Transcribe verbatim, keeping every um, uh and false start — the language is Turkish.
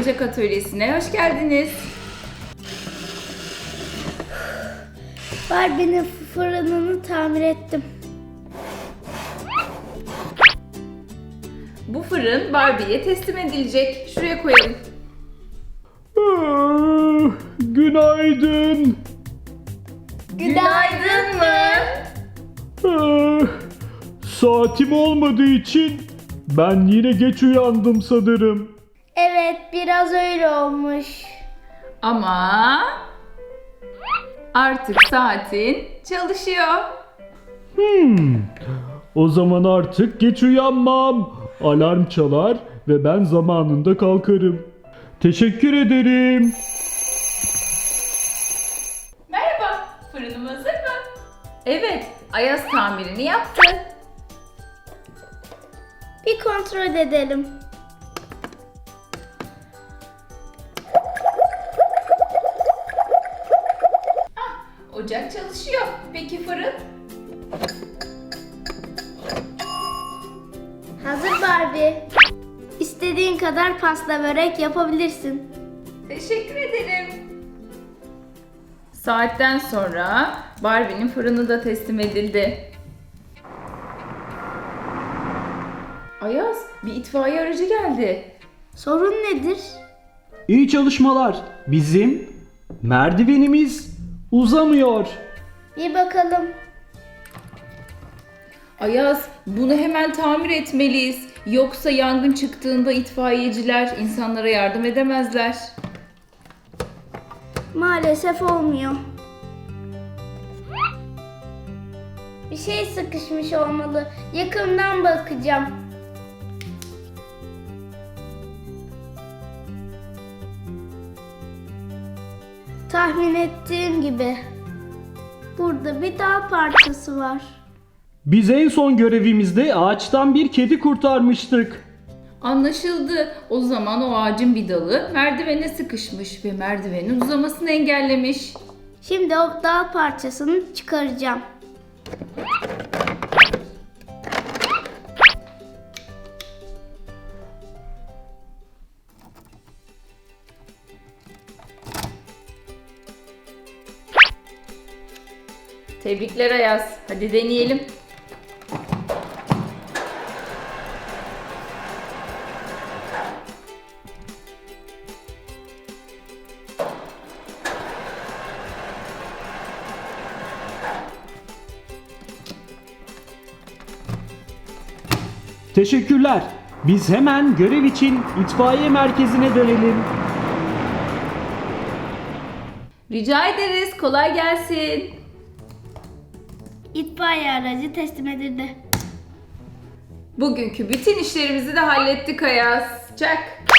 Oyuncak Atölyesi'ne hoş geldiniz. Barbie'nin fırınını tamir ettim. Bu fırın Barbie'ye teslim edilecek. Şuraya koyalım. Ah, günaydın. Günaydın mı? Ah, saatim olmadığı için ben yine geç uyandım sanırım. Evet, biraz öyle olmuş. Ama artık saatin çalışıyor. Hmm. O zaman artık geç uyanmam. Alarm çalar ve ben zamanında kalkarım. Teşekkür ederim. Merhaba, fırınım hazır mı? Evet, Ayaz tamirini yaptı. Bir kontrol edelim. Ocak çalışıyor. Peki fırın? Hazır Barbie. İstediğin kadar pasta börek yapabilirsin. Teşekkür ederim. Saatten sonra Barbie'nin fırını da teslim edildi. Ayaz, bir itfaiye aracı geldi. Sorun nedir? İyi çalışmalar. Bizim merdivenimiz uzamıyor. Bir bakalım. Ayaz, bunu hemen tamir etmeliyiz. Yoksa yangın çıktığında itfaiyeciler insanlara yardım edemezler. Maalesef olmuyor. Bir şey sıkışmış olmalı. Yakından bakacağım. Tahmin ettiğim gibi. Burada bir dağ parçası var. Biz en son görevimizde ağaçtan bir kedi kurtarmıştık. Anlaşıldı. O zaman o ağacın bir dalı merdivene sıkışmış ve merdivenin uzamasını engellemiş. Şimdi o dağ parçasını çıkaracağım. Tebrikler Ayaz. Hadi deneyelim. Teşekkürler. Biz hemen görev için itfaiye merkezine dönelim. Rica ederiz. Kolay gelsin. İtfaiye aracı teslim edildi. Bugünkü bütün işlerimizi de hallettik Ayaz. Çak.